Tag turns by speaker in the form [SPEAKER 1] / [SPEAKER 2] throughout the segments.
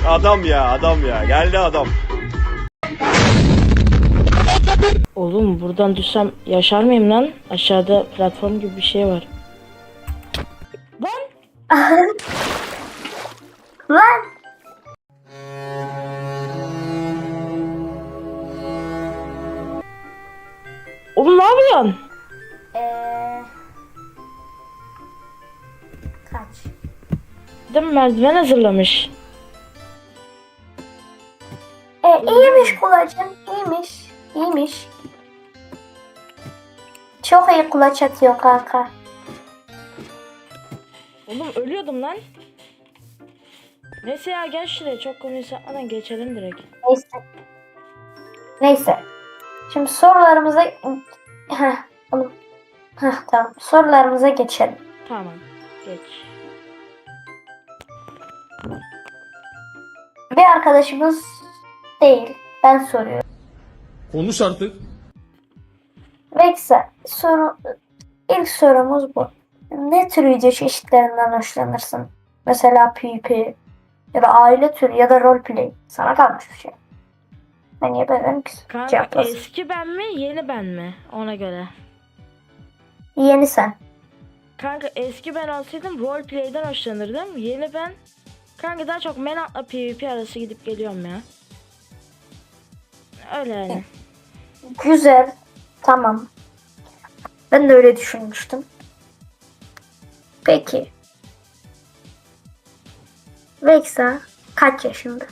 [SPEAKER 1] Adam ya, adam ya. Geldi adam.
[SPEAKER 2] Oğlum buradan düşsem yaşar mıyım lan? Aşağıda platform gibi bir şey var. Lan!
[SPEAKER 3] Lan!
[SPEAKER 2] Oğlum ne yapıyorsun?
[SPEAKER 3] Kaç?
[SPEAKER 2] Değil mi, merdiven hazırlamış.
[SPEAKER 3] İyiymiş kulacım. İyiymiş. İyiymiş. Çok iyi kulaç atıyor kanka.
[SPEAKER 2] Oğlum ölüyordum lan. Neyse ya, gel şuraya, çok konuşmadan geçelim direkt.
[SPEAKER 3] Neyse. Neyse. Şimdi sorularımıza... Oğlum. Tamam. Sorularımıza geçelim.
[SPEAKER 2] Tamam, geç.
[SPEAKER 3] Bir arkadaşımız değil. Ben soruyorum.
[SPEAKER 4] Konuş artık.
[SPEAKER 3] Vexa, ilk sorumuz bu. Ne tür video çeşitlerinden hoşlanırsın? Mesela PvP ya da aile türü ya da roleplay. Sana kalmış bir şey. Ben niye benim ki?
[SPEAKER 2] Kanka
[SPEAKER 3] Cevaplasın.
[SPEAKER 2] eski ben mi yeni ben mi, ona göre.
[SPEAKER 3] Yeni sen.
[SPEAKER 2] Kanka eski ben olsaydım roleplay'den hoşlanırdım. Yeni ben kanka daha çok Menat'la PvP arası gidip geliyorum ya. Öyle yani.
[SPEAKER 3] Güzel. Tamam. Ben de öyle düşünmüştüm. Peki. Vexa kaç yaşında?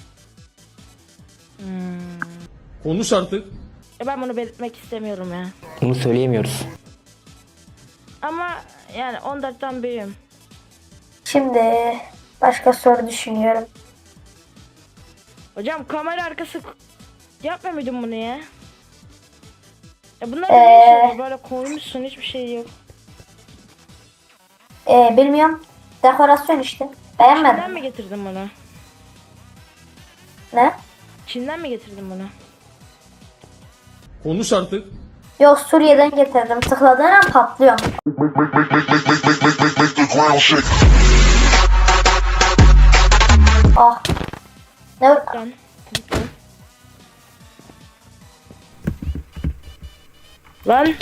[SPEAKER 4] Konuş artık.
[SPEAKER 2] Ben bunu belirtmek istemiyorum ya.
[SPEAKER 5] Bunu söyleyemiyoruz.
[SPEAKER 2] Ama yani 14'ten büyüğüm.
[SPEAKER 3] Şimdi başka soru düşünüyorum.
[SPEAKER 2] Hocam kamera arkası yapma mıydın bunu ya? Ya bunlar ne işler? Böyle koymuşsun, hiçbir şey yok.
[SPEAKER 3] Bilmiyorum. Dekorasyon işte.
[SPEAKER 2] Çin'den
[SPEAKER 3] Beğenmedim.
[SPEAKER 2] mi getirdin bunu?
[SPEAKER 3] Ne?
[SPEAKER 2] Çin'den mi getirdin bunu?
[SPEAKER 4] Konuş artık.
[SPEAKER 3] Yok, Suriye'den getirdim. Tıkladığın an patlıyor. Ah. Ne?
[SPEAKER 2] Lütfen. Lütfen. Lan.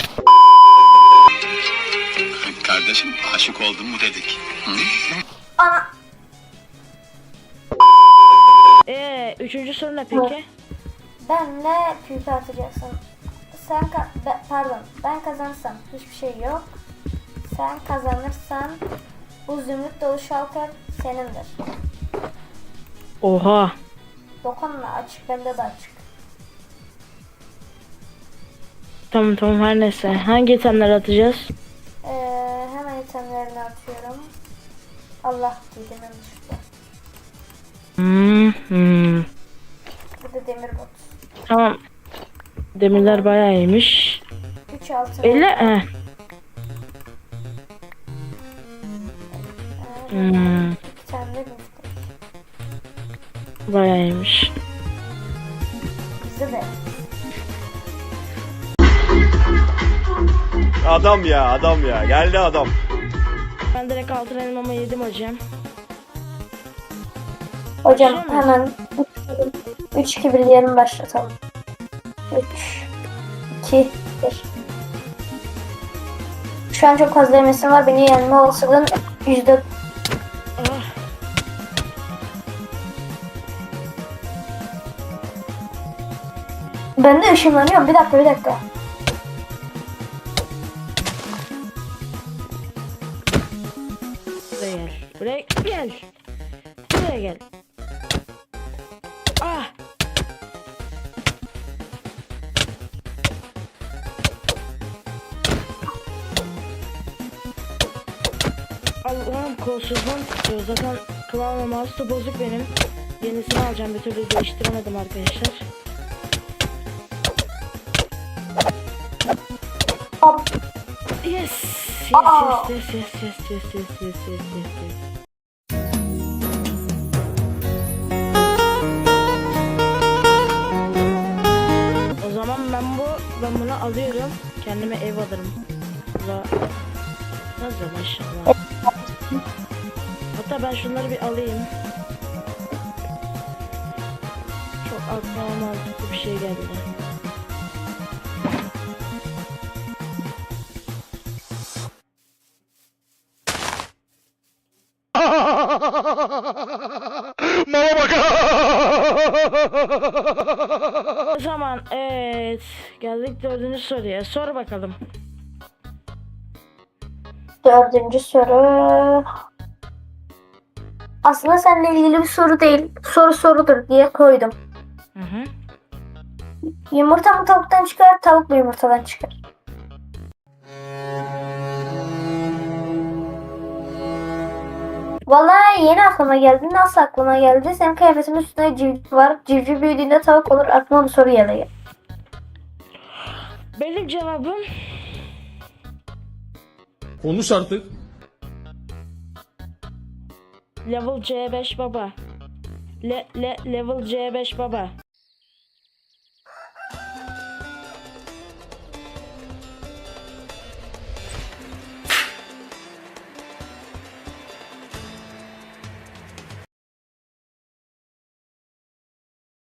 [SPEAKER 6] Kardeşim aşık oldun mu dedik. Hı?
[SPEAKER 3] Ana.
[SPEAKER 2] Üçüncü soru ne peki?
[SPEAKER 3] Benle PvP atacaksın. Pardon. Ben kazanırsam hiçbir şey yok. Sen kazanırsan bu zümrüt dolu şalter senindir.
[SPEAKER 2] Oha.
[SPEAKER 3] Dokunma, açık, bende de açık.
[SPEAKER 2] Tamam, her neyse. Hangi itemleri atacağız?
[SPEAKER 3] Hemen itemlerini atıyorum. Allah dedim yanlışlıkla. Bu da demir bot.
[SPEAKER 2] Tamam. Demirler bayağı iyiymiş.
[SPEAKER 3] 3 altın.
[SPEAKER 2] 50
[SPEAKER 3] 2 tane de müftek.
[SPEAKER 2] bayağı iyiymiş.
[SPEAKER 3] Bize de.
[SPEAKER 1] Adam ya, adam ya. Geldi adam.
[SPEAKER 2] Ben direkt altın elmamı yedim hocam.
[SPEAKER 3] Hocam
[SPEAKER 2] Başlıyor muyuz?
[SPEAKER 3] hemen 3-2 birleyelim, başlatalım. 3 2 1. Şu an çok fazla emesim var. Beni yenme olasılığın %...
[SPEAKER 2] Ah.
[SPEAKER 3] Ben de ışınlanıyorum. Bir dakika.
[SPEAKER 2] Buraya gel. Buraya gel. Ah. Allah'ım, kolsuzluğum tutuyor. Zaten klavye mouse da bozuk benim. Yenisini alacağım, bir türlü değiştiremedim arkadaşlar.
[SPEAKER 3] Hop.
[SPEAKER 2] Yes. O zaman ben bunu alıyorum. Kendime ev alırım. Nasıl maşallah. Hatta ben şunları bir alayım. aklıma mantıklı bir şey geldi.
[SPEAKER 6] Mama bak.
[SPEAKER 2] O zaman evet, geldik 4. soruya. Sor bakalım.
[SPEAKER 3] 4. soru. Aslında seninle ilgili bir soru değil. Soru sorudur diye koydum.
[SPEAKER 2] Hı hı.
[SPEAKER 3] Yumurta mı tavuktan çıkar, tavuk mu yumurtadan çıkar? Vallahi yeni aklıma geldi. Nasıl aklıma geldi? Senin kıyafetinin üstünde civciv var. Civciv büyüdüğünde tavuk olur. Aklıma bu soru geldi.
[SPEAKER 2] Benim cevabım
[SPEAKER 4] Konuş artık.
[SPEAKER 2] level C5 baba. Level C5 baba.